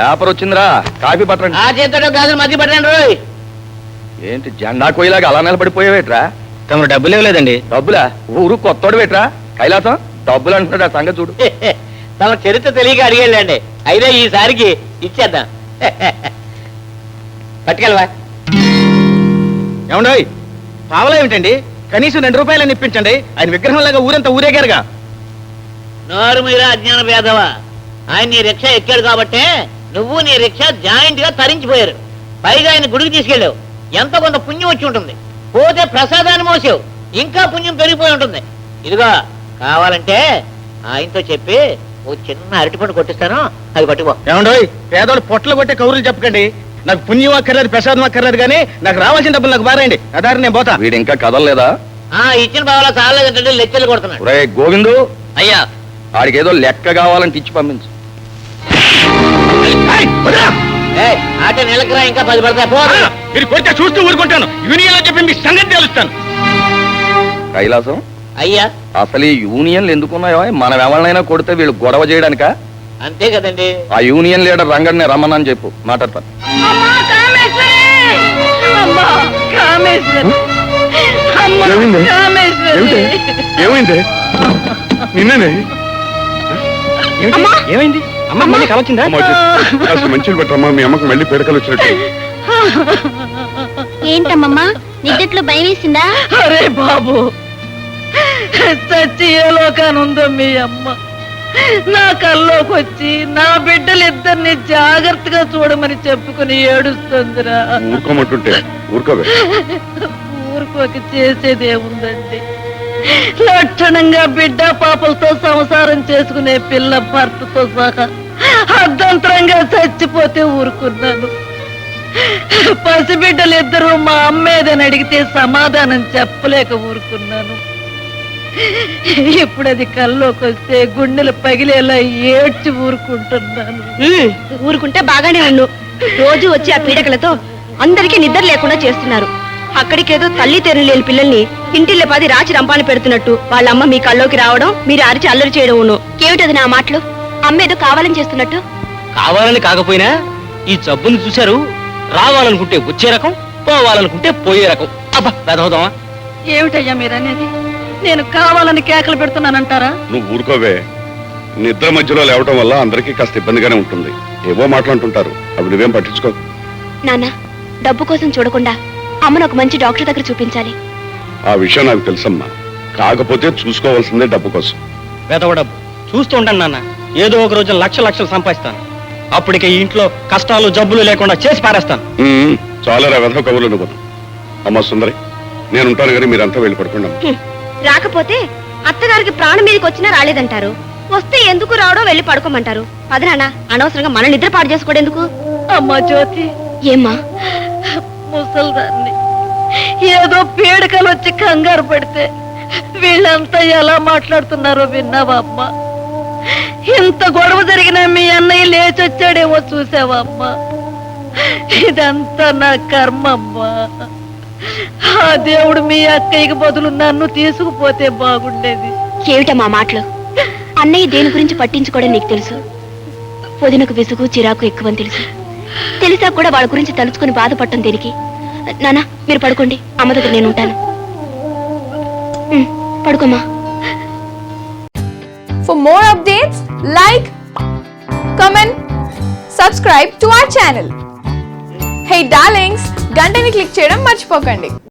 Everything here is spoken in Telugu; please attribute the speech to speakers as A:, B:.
A: పేపర్ వచ్చిందిరా, కాఫీ పట్టండి.
B: ఆ చేతితో గాజులు మధ్య పట్టండి రోయ్.
A: ఏంటి జెండా కోయిలాగా అలా నిలబడిపోయావేట్రా?
B: తమ డబ్బులు ఇవ్వలేదండి.
A: డబ్బులా? ఊరు కొత్తోడు వేట్రా కైలాసం, డబ్బులు అంటున్నాడు ఆ సంగతి చూడు.
B: తమ చరిత్ర తెలియక అడిగేళ్ళండి, అయితే ఈసారికి ఇచ్చేద్దాం. పట్టుకెళ్ళవా.
C: ఏమండోయ్ పావలా ఏమిటండి, కనీసం 2 రూపాయలని ఇప్పించండి. ఆయన విగ్రహంలాగా ఊరంతా ఊరేగారుగా.
B: నోరు మీరా అజ్ఞాన భేదవా. ఆయన నీ రిక్షా ఎక్కాడు కాబట్టే నువ్వు నీ రిక్షా జాయింట్ గా తరించిపోయారు. పైగా ఆయన గుడికి తీసుకెళ్ళావు, ఎంత కొంత పుణ్యం వచ్చి ఉంటుంది. పోతే ప్రసాదాన్ని మోసావు, ఇంకా పుణ్యం పెరిగిపోయి ఉంటుంది. ఇదిగో కావాలంటే ఆయనతో చెప్పి ఓ చిన్న అరటిపండు కొట్టిస్తాను, అది పట్టుకో.
C: ఏమండోయ్ పేదోళ్ళు పొట్టలు కొట్టే కౌరులు చెప్పకండి. నాకు పుణ్యం అక్కర్లేదు, ప్రసాదం అక్కర్లేదు, కానీ నాకు రావాల్సిన డబ్బులు నాకు బారేయండి. అదారి నేను పోతా.
A: వీడు ఇంకా కదలలేదా?
B: ఇచ్చిన బావలా చాలేదంటే లెక్కలు కొడుతున్నాడు.
A: ఒరే గోవిందు,
B: అయ్యా
A: ఆడికి ఏదో లెక్క కావాలంటే ఇచ్చి పంపించు.
B: ఆట నెలకరా, ఇంకా 10 పడతాయి.
C: మీరు కొడితే చూస్తూ ఊరుకుంటాను. యూనియన్ చెప్పి మీ సంగతి తెలుస్తాను.
A: కైలాసం,
B: అయ్యా
A: అసలు ఈ యూనియన్లు ఎందుకున్నాయో? మనం ఎవరినైనా కొడితే వీళ్ళు గొడవ చేయడానికా?
B: అంతే కదండి.
A: ఆ యూనియన్ లీడర్ రంగడిని రమ్మనని చెప్పు, మాట్లాడతాను. ఏమైంది? నిన్ననే
C: ఏమైంది? అమ్మ మళ్ళీ కలొచ్చిందా?
A: మంచిగా పెట్టమ్మా, మీ అమ్మకు మళ్ళీ పీడకలు వచ్చినట్టు.
D: ఏంటమ్మమ్మా నిద్దట్లో భయం వేసిందా?
E: అరే బాబు, చచ్చి ఏ లోకానుందో మీ అమ్మ. నా కల్లోకి వచ్చి నా బిడ్డలిద్దరిని జాగ్రత్తగా చూడమని చెప్పుకుని ఏడుస్తుందిరా.
A: ఊరుకోమంటుంటే ఊరుకోవే.
E: ఊరుకోక చేసేదేముందండి? లక్షణంగా బిడ్డ పాపలతో సంసారం చేసుకునే పిల్ల భర్తతో సహా అర్ధంతరంగా చచ్చిపోతే ఊరుకున్నాను. పసిబిడ్డలిద్దరూ మా అమ్మేదని అడిగితే సమాధానం చెప్పలేక ఊరుకున్నాను. ఇప్పుడు అది కల్లోకి వస్తే గుండెలు పగిలేలా ఏడ్చి ఊరుకుంటున్నాను.
D: ఊరుకుంటే బాగానే ఉండు. రోజు వచ్చి ఆ పీడకలతో అందరికీ నిద్ర లేకుండా చేస్తున్నారు. అక్కడికేదో తల్లి తెరు లేని పిల్లల్ని ఇంటిల్లే 10 రాచి రంపాన్ని పెడుతున్నట్టు వాళ్ళ అమ్మ మీ కల్లోకి రావడం, మీరు అరిచి అల్లరి చేయడం. కేమిటది నా మాటలు? అమ్మేదో కావాలని చేస్తున్నట్టు.
C: కావాలని కాకపోయినా ఈ జబ్బుని చూశారు. రావాలనుకుంటే వచ్చే రకం, పోవాలనుకుంటే పోయే రకం. అబ్బా పెదవుదామా?
E: ఏమిటయ్యా మీరనేది? నేను కావాలని కేకలు పెడుతున్నానంటారా?
F: నువ్వు ఊరుకోవే. నిద్ర మధ్యలో లేవటం వల్ల అందరికీ కాస్త ఇబ్బందిగానే ఉంటుంది. ఏవో మాట్లాడుతుంటారు, అవి నువ్వేం పట్టించుకో.
D: నాన్న, డబ్బు కోసం చూడకుండా అమ్మను ఒక మంచి డాక్టర్ దగ్గర చూపించాలి.
F: ఆ విషయం నాకు తెలుసమ్మా, కాకపోతే చూసుకోవాల్సిందే డబ్బు కోసం.
C: వెదవ డబ్బు చూస్తూ ఉంటాను నాన్న. ఏదో ఒక రోజు లక్షలు సంపాదిస్తాను. అప్పటికే ఈ ఇంట్లో కష్టాలు జబ్బులు లేకుండా చేసి పారేస్తాను.
F: చాలా వెధవ కబుర్లు నువ్వు. అమ్మా సుందరి, నేనుంటాను కానీ మీరంతా వెళ్ళి పడుకోండి.
D: రాకపోతే అత్తగారికి ప్రాణం మీదకి వచ్చినా రాలేదంటారు. వస్తే ఎందుకు రావడో వెళ్ళి పడుకోమంటారు. పదనాన్న, అనవసరంగా మన నిద్ర పాడు చేసుకోవడెందుకు?
E: అమ్మా జ్యోతి,
D: ఏమ్మా?
E: ముసల్దాన్ని ఏదో పీడకలు వచ్చి కంగారు పడితే వీళ్ళంతా ఎలా మాట్లాడుతున్నారో విన్నావా అమ్మా? ఇంత గొడవ జరిగినా మీ అన్నయ్య లేచొచ్చాడేమో చూసావా అమ్మా? ఇదంతా నా కర్మ అమ్మా. ఆ దేవుడు మీ అక్కయ్యకి బదులు నన్ను తీసుకుపోతే బాగుండేది.
D: ఏమిటమ్మా మాటలు? అన్నయ్య దేని గురించి పట్టించుకోవడం నీకు తెలుసు. వదినకు విసుగు చిరాకు ఎక్కువని తెలుసు. తెలిసా కూడా వాళ్ళ గురించి తలుచుకుని బాధపడటం దేనికి? నాన్న, మీరు పడుకోండి, అమ్మ దగ్గర నేను ఉంటాను. పడుకోమా.
G: For more updates, like, comment, subscribe to our channel. Hey darlings, గంటని click చేయడం మర్చిపోకండి.